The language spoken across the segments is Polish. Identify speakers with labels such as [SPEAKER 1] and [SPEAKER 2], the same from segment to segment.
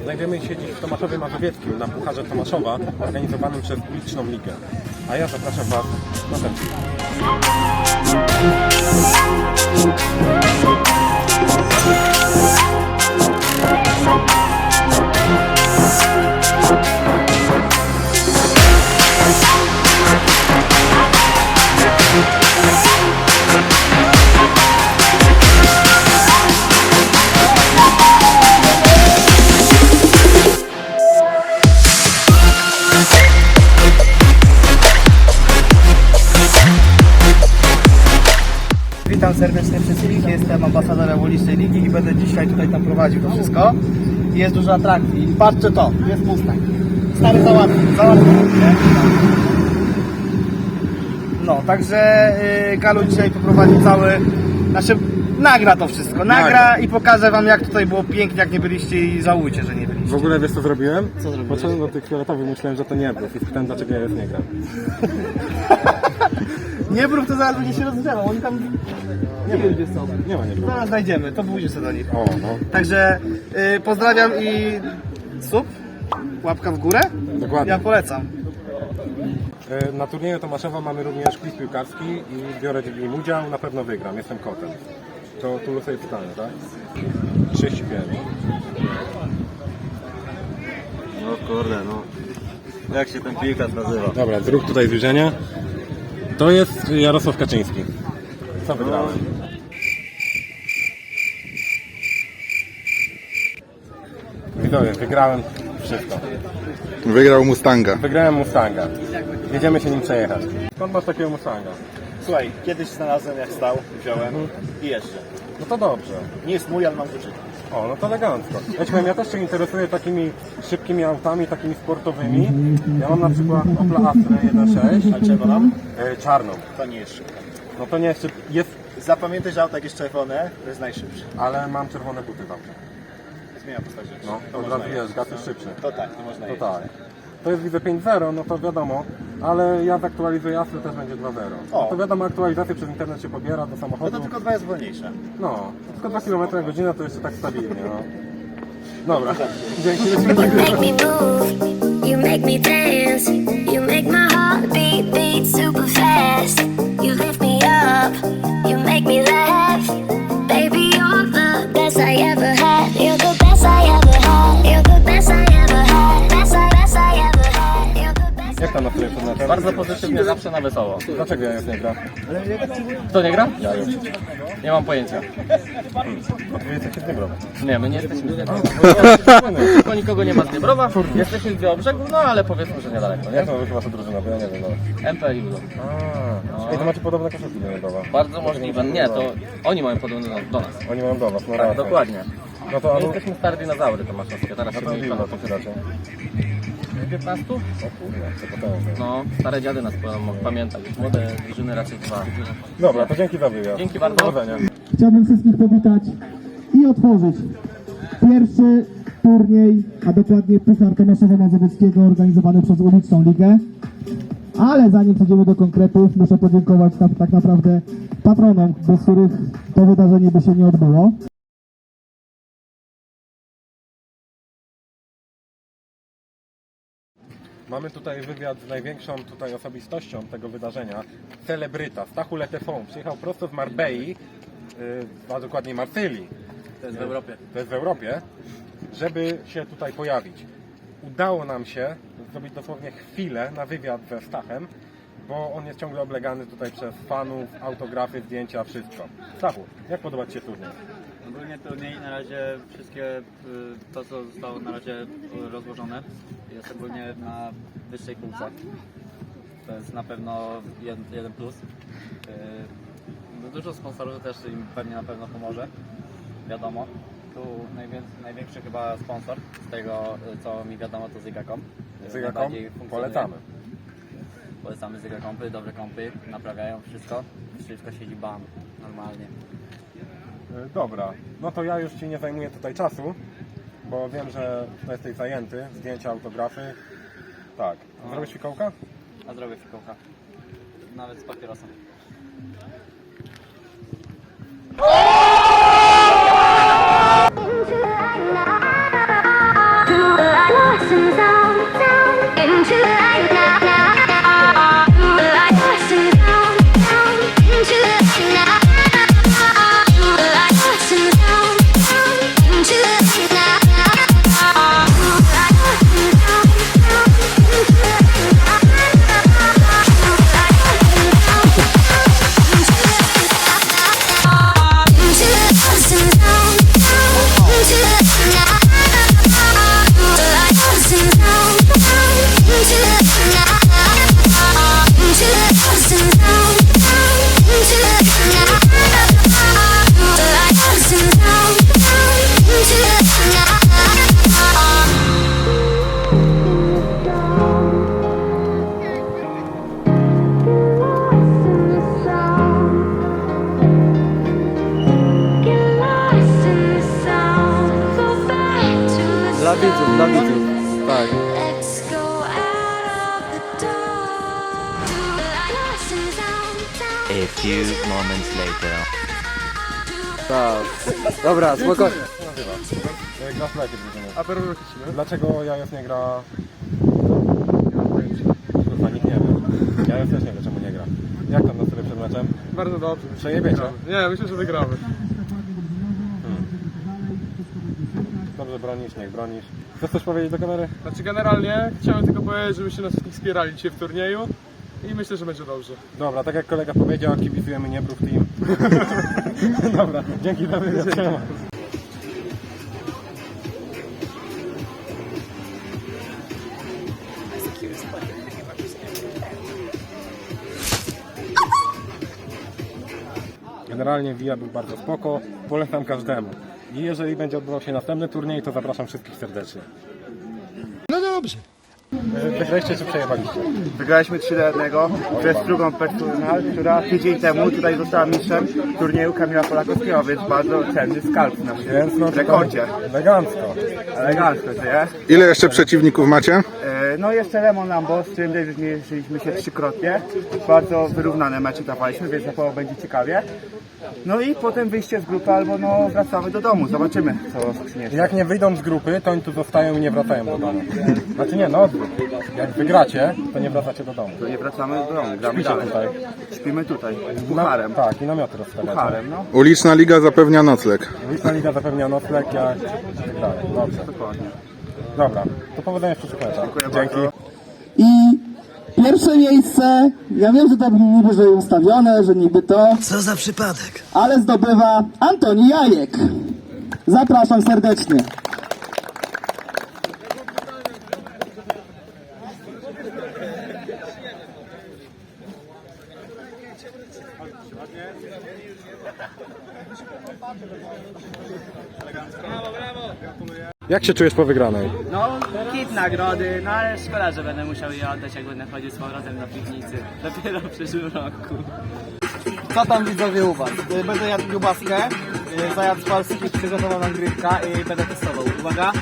[SPEAKER 1] Znajdziemy się dziś w Tomaszowie Mazowieckim na Pucharze Tomaszowa organizowanym przez Uliczną Ligę. A ja zapraszam Was na ten film.
[SPEAKER 2] Witam serdecznie wszystkich, jestem ambasadorem Ulicznej Ligi i będę dzisiaj tutaj tam prowadził to wszystko. Jest dużo atrakcji. Patrzcie to, jest Mustang. Stary załatwił, nie? No, także Galu dzisiaj poprowadzi nagra to wszystko, nagra i pokażę wam, jak tutaj było pięknie, jak nie byliście i żałujcie, że nie byliście.
[SPEAKER 1] W ogóle wiesz co zrobiłem?
[SPEAKER 2] Co zrobiłeś?
[SPEAKER 1] Poszedłem do tych fioletowych, myślałem, że to nie był i spytałem, dlaczego ja już nie gram.
[SPEAKER 2] Nie brów, to zaraz będzie się rozgrzewał, oni tam nie wiem gdzie są.
[SPEAKER 1] Nie ma, nie było.
[SPEAKER 2] Zaraz znajdziemy, to pójdzie sobie do nich.
[SPEAKER 1] O, no.
[SPEAKER 2] Także pozdrawiam i sub, łapka w górę.
[SPEAKER 1] Dokładnie.
[SPEAKER 2] Ja polecam.
[SPEAKER 1] Na turnieju Tomaszowa mamy również quiz piłkarski i biorę w nim udział, na pewno wygram, jestem kotem. To tu losuję pytanie, tak? 35.
[SPEAKER 3] No kurde, no. Jak się ten piłkarz nazywa?
[SPEAKER 1] Dobra, zrób tutaj zbliżenie. To jest Jarosław Kaczyński. Co wygrałem? Widzowie, wygrałem wszystko.
[SPEAKER 4] Wygrał Mustanga.
[SPEAKER 1] Wygrałem Mustanga. Jedziemy się nim przejechać. Skąd masz takiego Mustanga?
[SPEAKER 2] Słuchaj, kiedyś znalazłem jak stał, wziąłem i jeszcze.
[SPEAKER 1] No to dobrze.
[SPEAKER 2] Nie jest mój, ale mam kluczyk.
[SPEAKER 1] O, no to elegancko. Ja ci powiem, ja też się interesuję takimi szybkimi autami, takimi sportowymi. Ja mam na przykład Opla Astra 1.6.
[SPEAKER 2] A czego mam?
[SPEAKER 1] Czarną.
[SPEAKER 2] To nie jest szybko.
[SPEAKER 1] No to nie jeszcze jest,
[SPEAKER 2] Zapamiętaj, że auto jak jest czerwone, to jest najszybsze.
[SPEAKER 1] ale mam czerwone buty tam.
[SPEAKER 2] Zmienia postać rzeczy.
[SPEAKER 1] No,
[SPEAKER 2] to
[SPEAKER 1] od
[SPEAKER 2] można
[SPEAKER 1] razu
[SPEAKER 2] jeździć.
[SPEAKER 1] wiesz, gaz jest szybszy.
[SPEAKER 2] To tak, nie można
[SPEAKER 1] To
[SPEAKER 2] jeździć.
[SPEAKER 1] tak. To jest widzę 5.0, no to wiadomo, ale ja zaktualizuję Astrę, też będzie 2.0.
[SPEAKER 2] O.
[SPEAKER 1] To wiadomo, aktualizację przez internet się pobiera do
[SPEAKER 2] No
[SPEAKER 1] samochodu.
[SPEAKER 2] to tylko 2 jest wolniejsze.
[SPEAKER 1] No, to tylko 2 km na godzinę to jeszcze tak stabilnie, no. Dobra, dzięki.
[SPEAKER 5] You make me move, you make me dance, you make my heart beat, beat super fast. You lift me up, you make me laugh. Baby, you're the best I ever had. You're the best I ever had. You're the best I ever had. Best I ever had. You're the best.
[SPEAKER 1] Jak tam nastroje przed meczem?
[SPEAKER 6] Bardzo pozytywnie, zawsze na wesoło.
[SPEAKER 1] Dlaczego ja już nie gram?
[SPEAKER 6] Kto nie gra? Ja już. Nie mam pojęcia.
[SPEAKER 1] Odpowiedz jak się nie gram.
[SPEAKER 6] Nie, my nie jesteśmy z Dniebrowa. Tylko nikogo nie ma z Dniebrowa. Jesteśmy z Białobrzegu, no ale powiedzmy, że niedaleko,
[SPEAKER 1] Jak
[SPEAKER 6] nie?
[SPEAKER 1] to chyba wasza drużyna, bo ja nie wiem nawet.
[SPEAKER 6] MP i Udo.
[SPEAKER 1] Ej, to macie podobne koszulki do Dniebrowa.
[SPEAKER 6] Bardzo możliwe. Nie, to oni mają podobne do nas.
[SPEAKER 1] Oni mają do was, no
[SPEAKER 6] Tak,
[SPEAKER 1] racja.
[SPEAKER 6] dokładnie.
[SPEAKER 1] No to
[SPEAKER 6] My jesteśmy stare dinozaury tomaszowskie, teraz się
[SPEAKER 1] to
[SPEAKER 6] mniej
[SPEAKER 1] ile to
[SPEAKER 6] fanów.
[SPEAKER 1] wydacie?
[SPEAKER 6] 15?
[SPEAKER 1] O kurde, co potężne.
[SPEAKER 6] No, stare dziady nas mogą pamiętać. Młode drużyny raczej 2.
[SPEAKER 1] Dobra, to dzięki za wywiad.
[SPEAKER 6] Dzięki bardzo.
[SPEAKER 1] Powodzenia.
[SPEAKER 7] Chciałbym wszystkich powitać i otworzyć pierwszy turniej, a dokładnie Puchar Tomaszowa Mazowieckiego organizowany przez Uliczną Ligę. Ale zanim przejdziemy do konkretów, muszę podziękować tak naprawdę patronom, bez których to wydarzenie by się nie odbyło.
[SPEAKER 1] Mamy tutaj wywiad z największą tutaj osobistością tego wydarzenia. Celebryta, Stachu Letefon. Przyjechał prosto z Marbei, a dokładniej Marsylii.
[SPEAKER 6] To jest w Europie.
[SPEAKER 1] To jest w Europie, żeby się tutaj pojawić. Udało nam się zrobić dosłownie chwilę na wywiad ze Stachem, bo on jest ciągle oblegany tutaj przez fanów, autografy, zdjęcia, wszystko. Stachu, jak podoba Ci się turniej?
[SPEAKER 8] Ogólnie turniej na razie wszystkie, to co zostało na razie rozłożone jest ogólnie na wyższej półce. To jest na pewno jeden plus. Dużo sponsorów też im pewnie na pewno pomoże, wiadomo. Tu największy chyba sponsor z tego co mi wiadomo to Zygacom.
[SPEAKER 1] Zygacom
[SPEAKER 8] Najbardziej funkcjonuje.
[SPEAKER 1] polecamy.
[SPEAKER 8] Polecamy Zygacompy, dobre kompy, naprawiają wszystko siedzi bam, normalnie.
[SPEAKER 1] Dobra, no to ja już Ci nie zajmuję tutaj czasu, bo wiem, że jesteś zajęty, zdjęcia, autografy. Tak, zrobisz fikołka?
[SPEAKER 8] A zrobię fikołka. Nawet z papierosem.
[SPEAKER 5] Do into the light now, now, now. Like dancing down, down into the light now. Like dancing down, down into the light now. Like dancing down, down into the light now. Like dancing down, into the light now. Into the dancing down, down into the light now. Like dancing down, down into the light now. Into the dancing down, down into the light now. Like dancing down, down into the light now. Get lost in the sound, go back to the
[SPEAKER 6] Dla widzów, dla widzów. Tak.
[SPEAKER 5] Let's go out of the dark. Like lost in the sound, sound.
[SPEAKER 9] A few moments later.
[SPEAKER 6] Tak. Dobra, spokojnie.
[SPEAKER 1] Grasz w jakie drużyny? Dlaczego Jajos nie gra? Kurwa, nikt nie wie. Jajos też nie wie, czemu nie gra. Jak tam nastroje przed meczem?
[SPEAKER 10] Bardzo dobrze.
[SPEAKER 1] Przejebiecie?
[SPEAKER 10] Nie, myślę, że wygramy.
[SPEAKER 1] Dobrze bronisz, niech bronisz. Chcesz coś powiedzieć do kamery?
[SPEAKER 10] Znaczy generalnie chciałem tylko powiedzieć, żebyście nas wszystkich wspierali dzisiaj w turnieju i myślę, że będzie dobrze.
[SPEAKER 1] Dobra, tak jak kolega powiedział, kibicujemy Niebrów Team. Dobra, dzięki za wywiad. Siema. Generalnie WIA był bardzo spoko, polecam każdemu. I jeżeli będzie odbywał się następny turniej, to zapraszam wszystkich serdecznie.
[SPEAKER 10] No dobrze.
[SPEAKER 1] Wygraliście czy przejebaliście?
[SPEAKER 2] Wygraliśmy 3-1 przez drugą personal, która tydzień temu tutaj została mistrzem turnieju Kamila Polakowskiego, więc bardzo cenny skalp na
[SPEAKER 1] Więc no
[SPEAKER 2] w rekordzie.
[SPEAKER 1] elegancko.
[SPEAKER 2] Elegancko, to jest.
[SPEAKER 4] Ile jeszcze przeciwników macie?
[SPEAKER 2] No jeszcze Lemon Lambo, z którym też zmierzyliśmy się trzykrotnie. Bardzo wyrównane mecze dawaliśmy, więc na pewno będzie ciekawie. No i potem wyjście z grupy albo no wracamy do domu, zobaczymy co przyniesie.
[SPEAKER 1] Jak nie wyjdą z grupy, to oni tu zostają i nie wracają do domu. Znaczy nie, no odwrót. Jak wygracie, to nie wracacie do domu.
[SPEAKER 2] To nie wracamy do domu, gramy
[SPEAKER 1] Śpicie
[SPEAKER 2] dalej.
[SPEAKER 1] tutaj.
[SPEAKER 2] Śpimy tutaj, z pucharem.
[SPEAKER 1] Tak, i namioty rozstawiacie.
[SPEAKER 2] Pucharem, no.
[SPEAKER 4] Uliczna Liga zapewnia nocleg.
[SPEAKER 1] Uliczna Liga zapewnia nocleg, jak i tak dalej. Dobrze.
[SPEAKER 2] Dokładnie.
[SPEAKER 1] Dobra, to powodzenia w przyszłych meczach. Dzięki.
[SPEAKER 7] I pierwsze miejsce, ja wiem, że to niby, że ustawione, że niby to.
[SPEAKER 9] Co za przypadek?
[SPEAKER 7] Ale zdobywa Antoni Jajek. Zapraszam serdecznie.
[SPEAKER 1] Jak się czujesz po wygranej?
[SPEAKER 8] No, kit nagrody, no ale szkoda, że będę musiał je oddać, jak będę chodził z powrotem do piwnicy. Dopiero w przyszłym roku.
[SPEAKER 2] Co tam widzowie u was? Będę jadł kiełbaskę, zajadł z Polski, przygotował nagrywka i będę testował. Uwaga.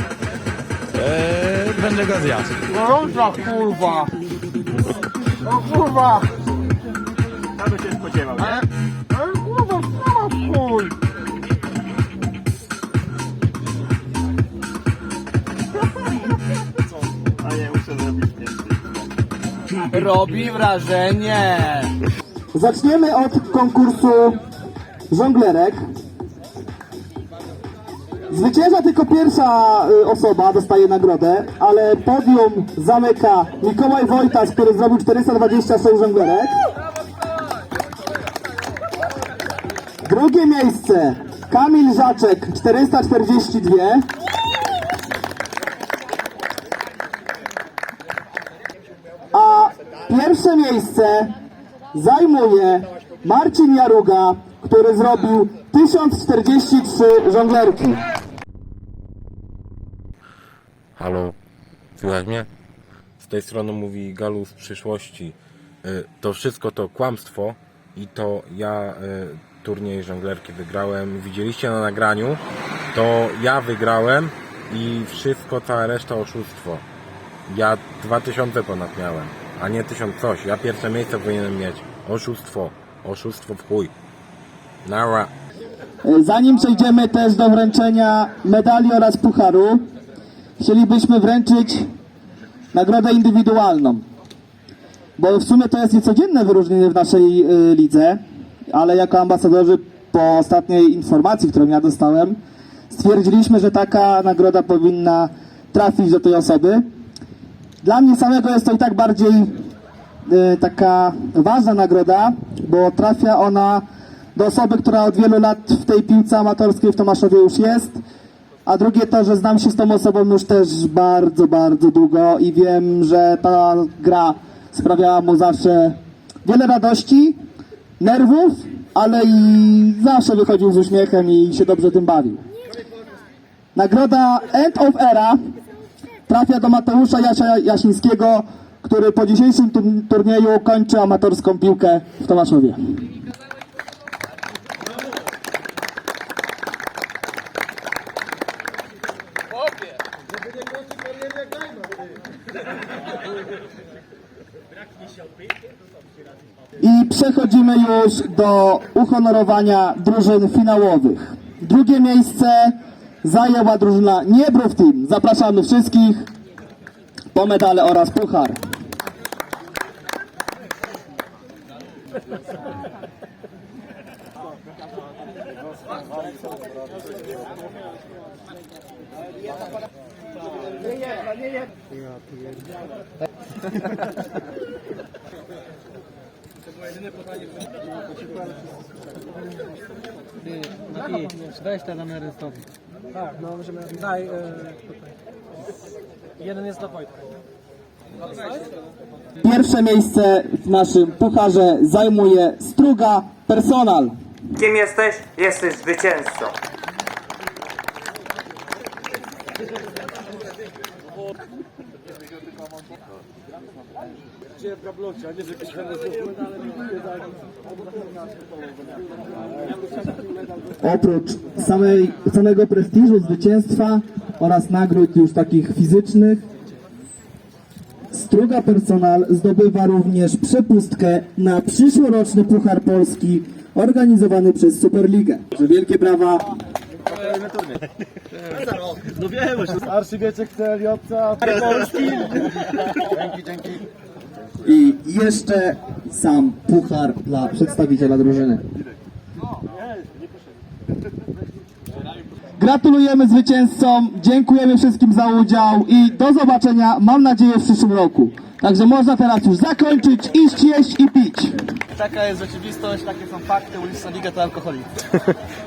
[SPEAKER 9] Będę go zjadł.
[SPEAKER 2] Gorąca kurwa! O kurwa! Ja bym się spodziewał, nie? Ale kurwa, chuj! A nie, muszę zrobić więcej.
[SPEAKER 8] Robi wrażenie!
[SPEAKER 7] Zaczniemy od konkursu żonglerek. Zwycięża tylko pierwsza osoba, dostaje nagrodę, ale podium zamyka Mikołaj Wojtas, który zrobił 426 żonglerek. Drugie miejsce Kamil Żaczek, 442. A pierwsze miejsce zajmuje Marcin Jaruga, który zrobił 1043 żonglerki.
[SPEAKER 1] Halo, słychać mnie? Z tej strony mówi Galu z przyszłości. To wszystko to kłamstwo i to ja turniej żonglerki wygrałem. Widzieliście na nagraniu, to ja wygrałem i wszystko, cała reszta oszustwo. Ja 2000 ponad miałem, a nie 1000 coś. Ja pierwsze miejsce powinienem mieć. Oszustwo. Oszustwo w chuj. Nara.
[SPEAKER 7] Zanim przejdziemy też do wręczenia medali oraz pucharu, chcielibyśmy wręczyć nagrodę indywidualną. Bo w sumie to jest niecodzienne wyróżnienie w naszej lidze, ale jako ambasadorzy po ostatniej informacji, którą ja dostałem, stwierdziliśmy, że taka nagroda powinna trafić do tej osoby. Dla mnie samego jest to i tak bardziej taka ważna nagroda, bo trafia ona do osoby, która od wielu lat w tej piłce amatorskiej w Tomaszowie już jest, a drugie to, że znam się z tą osobą już też bardzo, bardzo długo i wiem, że ta gra sprawiała mu zawsze wiele radości, nerwów, ale i zawsze wychodził z uśmiechem i się dobrze tym bawił. Nagroda End of Era trafia do Mateusza Jasińskiego, który po dzisiejszym turnieju kończy amatorską piłkę w Tomaszowie. I przechodzimy już do uhonorowania drużyn finałowych. Drugie miejsce zajęła drużyna Niebrów Team. Zapraszamy wszystkich po medale oraz puchar.
[SPEAKER 6] Weź te numery stąd. Tak, no możemy. Daj. Jeden jest dla Wojtka.
[SPEAKER 7] Pierwsze miejsce w naszym pucharze zajmuje Struga Personal.
[SPEAKER 2] Kim jesteś? Jesteś zwycięzcą.
[SPEAKER 7] Oprócz samego prestiżu zwycięstwa oraz nagród już takich fizycznych, Struga Personal zdobywa również przepustkę na przyszłoroczny Puchar Polski organizowany przez Superligę. Wielkie brawa!
[SPEAKER 6] No wiem, Arcybieczek CLJ-ca Polski. Dzięki.
[SPEAKER 7] I jeszcze sam puchar dla przedstawiciela drużyny. Gratulujemy zwycięzcom, dziękujemy wszystkim za udział i do zobaczenia, mam nadzieję, w przyszłym roku. Także można teraz już zakończyć, iść, jeść i pić.
[SPEAKER 6] Taka jest rzeczywistość, takie są fakty, uliczna liga to alkoholik.